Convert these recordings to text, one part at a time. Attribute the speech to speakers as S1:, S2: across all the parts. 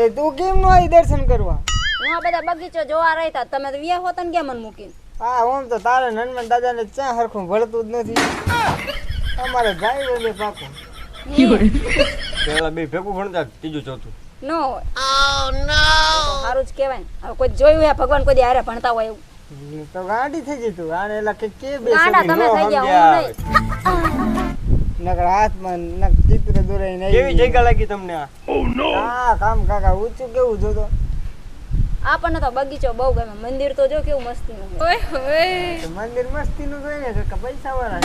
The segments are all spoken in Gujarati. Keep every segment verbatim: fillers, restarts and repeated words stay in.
S1: તે તું કેમ નો આવી દર્શન કરવા?
S2: હું આ બધા બગીચો જોવા રહેતા તમે તો વ્યા હોતા ને કેમ મને મૂકીને?
S1: હા ઓમ તો તારે હનુમાન દાદાને ચા હરખું ભળતું જ નથી. અમારે જાય એટલે પાકો
S3: પેલા બે ભેગું ભણતા ત્રીજું ચોથું
S2: નો હોય. ઓ નો સારું જ કહેવાય ને. હવે કોઈ જોયું હે ભગવાન કોઈ દી હારે ભણતા હોય એવું?
S1: તો ગાંડી થઈ ગઈ તું. આને એલા કે કે બે
S2: ગાંડા તમે થઈ ગયા હું નહીં.
S1: નકર હાથમાં નક ચિત્ર દોરાઈ નહીં.
S3: કેવી જગ્યા લાગી તમને આ?
S1: હા કામ કાકા ઊંચું કેવું જોતો.
S2: આપણને તો બગીચો બહુ ગમે. મંદિર તો જો કેવું મસ્તીનું છે. ઓય ઓય
S1: તો મંદિર મસ્તીનું જોઈ ને કે પૈસા વાળા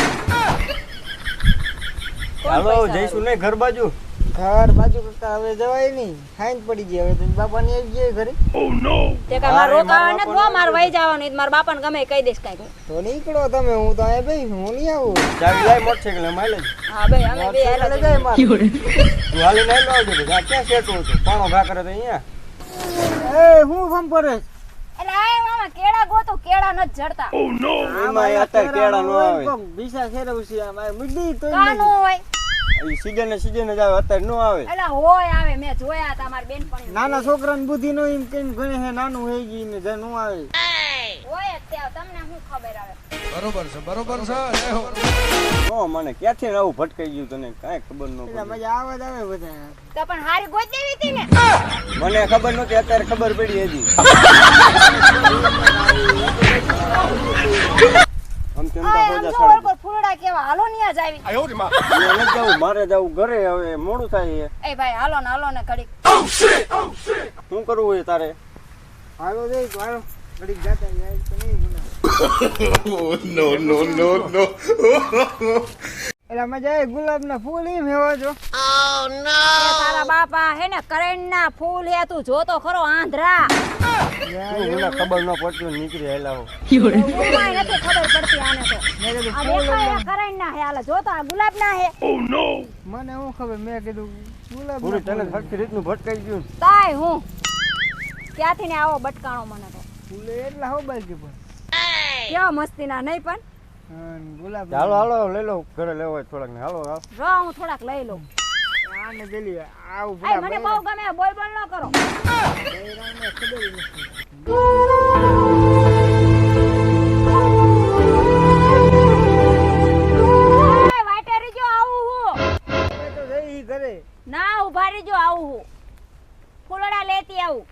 S3: હાલો જઈશું ને ઘર બાજુ.
S1: ઘર બાજુ કરતા હવે જવાય નહીં. ખાઈન પડી ગયા હવે તો બાપા ની આવી ગયા ઘરે.
S2: તે કા માર રોકાવા નથી બો માર વઈ જવાનું. માર બાપાને ગમે કહી દેશ કાઈ.
S1: તો નીકળો તમે. હું તો અહીંયા બેસી હું નહીં આવું.
S3: ચાવી લાય મોટરસાઇકલ માઇલેજ.
S2: હા ભાઈ અમે બે હાલા
S1: જાય માર.
S3: તું હાલી નહીં આવજો તો આ ક્યાં સેટ હોતો પાણો ભા કરે તો અહીંયા.
S1: એ હું ફમ પડે.
S2: એટલે આ મામા કેળા ગોતો કેળા ન જડતા.
S3: ઓ નો એમાં અત્યારે કેળા નો આવે.
S1: બીસા ખેરે ઉસી આ મુડી તો
S2: કાનો હોય.
S3: ઈ સીઝન ને સીઝન જ આવે અત્યારે નો આવે.
S2: એટલે હોય આવે મેં જોયા તા માર બેનપણી.
S1: નાના છોકરાની બુદ્ધિ નો એમ કેમ ગણે હે નાનું હે ગઈ ને જે નો આવે.
S2: હોય તે તમને શું ખબર આવે?
S4: બરોબર છે બરોબર છે લે હો
S3: નો મને ક્યાંથી આવું ભટકાઈ ગયું તને કાંઈ ખબર ન
S1: એટલે
S3: પડી.
S1: મજા આવે જ આવે બધા.
S2: તો પણ હારી ગોત દેવી હતી ને.
S3: મને ખબર નહોતી અત્યારે ખબર પડી હજી. આમ તેમ તો
S2: આ
S3: હોજા
S2: આમ જો
S3: સાડા
S2: ઓળકો ફૂલડા કેવા હાલો ની આજ આવી.
S4: આયો રે માં
S3: અહીંયા નથી જવું મારે જવું ઘરે હવે મોડું થાય છે.
S2: એ ભાઈ હાલો ને હાલો ને ઘડીક.
S3: શું કરવું હોય તારે?
S1: હાલો દે તો હાલો ઘડીક જાતા જાય તો નહીં ગુના.
S4: નો નો નો નો
S1: એટલે મજા આવે ગુલાબના ફૂલ એમ હેવા જો.
S2: એ તારા બાપા હે ને કરણના ફૂલ હે તું જોતો ખરો આંધ્રા.
S3: શું મને ખબર ન પડતી હોય નીકળી આયલા હો.
S2: ઉમાય નથી ખબર પડતી આને તો. આ દેખાય હે કરણના હે હાલે જોતો આ ગુલાબના હે.
S1: મને હું ખબર મેં કીધું ગુલાબ
S3: પૂરી તને સરખી રીતનું ભટકાઈ ગયું.
S2: તાય હું ક્યાંથી ને આવો બટકાણો મને તો.
S1: ફૂલ એટલા હો બાકી પણ.
S2: કેવા મસ્તીના નહીં પણ.
S1: હા ગુલાબ
S3: હાલો હાલો લઈ લો ઘરે લેવો હોય થોડાક ને હાલો હાલો.
S2: રો હું થોડાક લઈ લઉં.
S1: આને પેલી આવું
S2: આય મને બહુ ગમે બોલ બોલ ન કરો. એ વાટે રીજો આવું હું.
S1: તો જઈ ઘરે.
S2: ના ઉભા રીજો આવું હું. ફૂલડા લેતી આવું.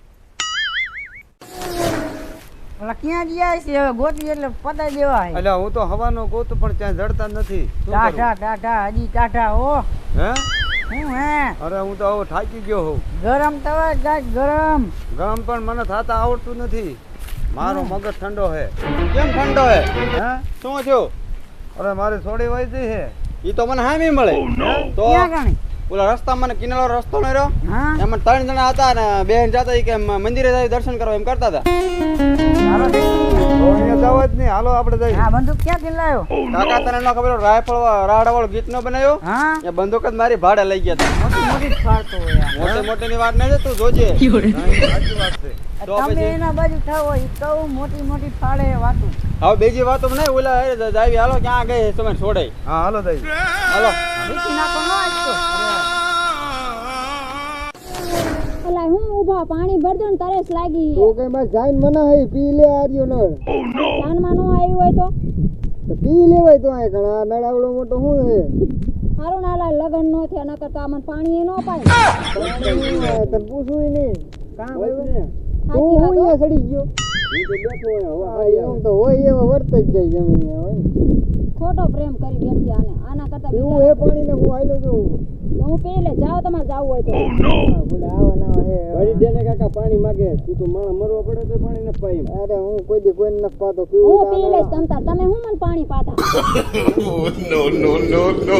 S1: ઓલા ક્યાં ગયા છે હવે ગોતી એટલે પતાઈ દેવા હે.
S3: એટલે હું તો હવાનો ગોતું પણ ત્યાં જડતા નથી. શું કરું?
S1: ટાટા ટાટા હજી ટાટા ઓ
S3: હે
S1: હું હે
S3: અરે હું તો હવે થાકી ગયો હોઉં.
S1: ગરમ તવા ગાય ગરમ.
S3: ગમ પણ મને થાતા આવડતું નથી. મારો મગજ ઠંડો હે. કેમ ઠંડો હે? હે શું થયું? અરે મારી થોડી વઈ ગઈ હે. ઈ તો મને હામી મળે. તો
S1: ક્યાં ગાણી?
S3: ઓલા રસ્તામાં કિનારો રસ્તો ન રહ્યો
S1: હા
S3: એમાં ત્રણ જણા હતા ને બેન જતા ઈ કે મંદિરે જાય દર્શન કરવા એમ કરતા હતા.
S1: હાલો
S3: તો અહીંયા જાવ જ નહીં. હાલો આપણે જઈએ.
S1: આ બંદૂક ક્યાંથી લાવ્યો?
S3: કાકા તને ન ખબર રાયફળ રાડા વાળો ગીત નો બનાવ્યો
S1: હા
S3: એ બંદૂક જ મારી ભાડે લઈ ગયા હતા.
S1: મોટી મોટી જ ફાડતો હોય આ.
S3: મોટી મોટી ની વાત નહીં છે તું જોજે. સાચી વાત છે. તો
S1: તમે
S3: પછી
S1: એના બાજુ થાવ ઈ કહું મોટી મોટી ફાડે વાતું.
S3: હવે બીજી વાતો નહીં ઓલા એ જાવી હાલો ક્યાં ગઈ તમે છોડે. હા હાલો દઈ હાલો.
S1: વીકી નાખો ન આજ તો.
S2: ઓલા હું ઊભા પાણી ભરજો ને તરસ લાગી.
S1: તું કઈ બસ જાઈન મના હઈ પી લે આર્યો નળ.
S2: કાનમાં નો આવ્યું હોય તો
S1: તો પી લેવાય તો આ ઘણા નળાવડો મોટો હું હે.
S2: હારું ના લા લગન નો થયા નકર તો આમાં પાણી એ નો પાય.
S1: તને પૂછું નહીં કાં ભાઈ તું
S2: સાચી
S1: હું
S2: વાત હો.
S1: અહીંયા સડી ગયો. હા, એમ તો હોય એવા વર્ત જ જાય જમીન હોય.
S2: ખોટો પ્રેમ કરી બેઠી આને આના કરતા
S1: એવું
S2: બીજા
S1: એ પાણીને હું આયલો છું.
S2: હું પી લે જાઓ તમારે જાવું હોય તો.
S1: હા, બોલે આવા નવા હે.
S3: વળી દે ને કાકા પાણી માંગે તું તો માણા મરવા પડે તો પાણી ન પાઈ.
S1: અરે હું કોઈ દી કોઈને નથી પાતો પીવું
S2: હું પી લઈશ તમતાર તમે હું મને પાણી પાતા.
S4: નો નો નો નો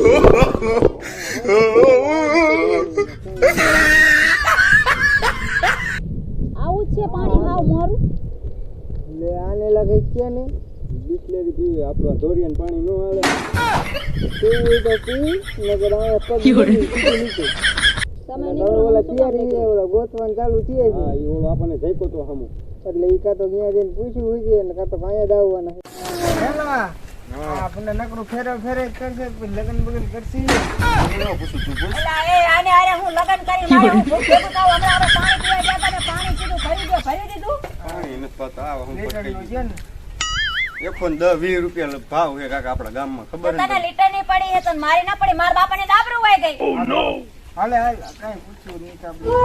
S2: આવું જ છે પાણી હાવ મોરું.
S1: લે આને લાગે છે ને
S3: બિસ્લેરી પીવે આપણું ધોરિયન પાણી ન આવે.
S1: પીવું તો પી નગર આ પગ નીચે નીચે.
S2: તમે
S1: હવે
S2: નીકળો
S1: ઓલા
S2: હું શું
S1: તૈયારી
S2: કામ
S1: છે ઓલા ગોતવાનું ચાલુ થયે છે.
S3: હા ઈ ઓલો આપણને જઈકો તો હમો.
S1: એટલે ઈ કાં તો ત્યાં જઈને પૂછ્યું હોય છે ને કાં તો અહીંયા જ આવવાના છે. હેલો આ આપણને નકરું ફેરે ફેરે જ કરશે પછી લગન બગન કરશે
S3: પૂછું તું બોલ.
S2: એલા, એ આને આને હું લગન કરી મારે હું ભૂખે ભૂખાવ હમણાં હવે પાણી પીવા ગયા તા ને પાણી પીધું ભરી ગયો ભરી દીધું
S3: પાણી નથી પાતા, આ હું
S1: લીટરનું
S3: પટકાઈ
S1: છે ને
S3: એકસો ને દસ વીસ રૂપિયા ભાવ છે કાકા આપણા ગામમાં, ખબર
S2: તને
S3: ને
S2: લીટર ની પડી હે તો મારી ના પડી મારા બાપાને દાબરું વાઈ ગઈ
S1: હાલે હાલ કાંઈ પૂછ્યું નહીં તો આપણે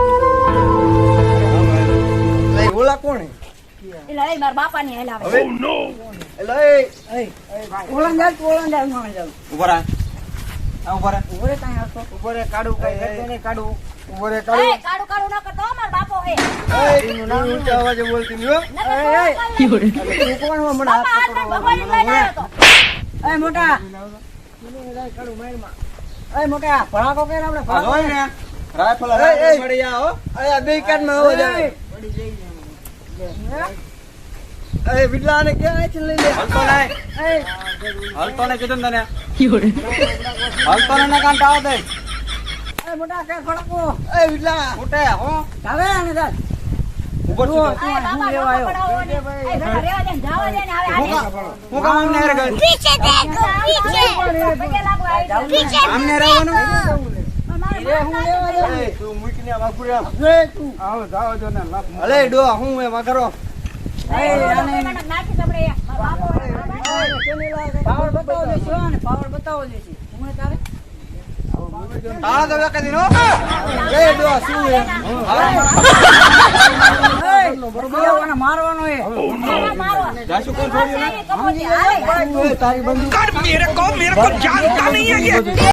S3: નહીં. ઓલા કોણ હે?
S2: એલા એ મારા બાપાની હેલાવે
S3: હવે એલા એ
S2: ઓળંગ જાવ ઓળંગ જાવ ન જાવ
S3: ઉભા રહે. આ ઉભા રહે.
S2: ઓરે કાંઈ હસો
S1: ઉભો રે કાઢું કઈ કરતો નહીં કાઢું ઉભો રે
S2: એ
S1: કાઢું
S2: કાડું કાડું ન કરતો હો, મારો બાપો હે
S1: એનું નામ
S3: ઊંચા અવાજે બોલતી નહીં હો.
S2: નકર તો
S1: તું કોણ હો મને
S2: બાપા
S1: હાથ
S2: હાથ ભગવાન લઈને આવ્યો તો
S5: એ મોટા
S1: કાઢું મારમાં
S5: એ મોટા ભડાકો કે આપણે
S3: આ જોઈ ને રાયફલ
S1: એ, એ.
S3: રાયફલ મળી આ હો.
S1: આ બે કાનમાં આવો જાય એ બિલ્લાને ક્યાં છે લઈ લે
S3: હલતો નહીં. હલતો નહીં કીધું ને તને. હલતો નહીં ને કાંટા આવો દે.
S5: એ મોટા કે ભડાકો
S1: એ બિલ્લા
S3: ફૂટે હો.
S5: હવે આને દાદ
S3: ઉભો છું.
S2: એ બાપા
S5: લેવા
S2: ડોકો પડાવો ને એ બેટા રેવા દે ને જાવા દે ને હવે આને
S3: હું કામ આમને હારે ગઈ?
S2: પીછે દેખો પીછે પગે લાગો આવી જાવ
S3: આમને રહેવાનું?
S2: મારે હું લેવા દે
S3: એ, તું મૂકીને આમ આઘું આમ.
S1: એ તું
S3: આવો જાઓ જો ને લાપ. અલે ડો હું એમાં કરો.
S2: નાખી તમને મારો બાપો હે
S5: પાવર બતાવો દેશો ને પાવર બતાવો દેશી હું તારે
S3: તાળા તો વેકે દીનો.
S1: એ ડો શું હે
S5: બરોબર મારવાનો એ
S2: મારો
S3: જાસુ કોણ છોડ્યું ને?
S2: કપોતી હાલે
S1: તારી બંદૂક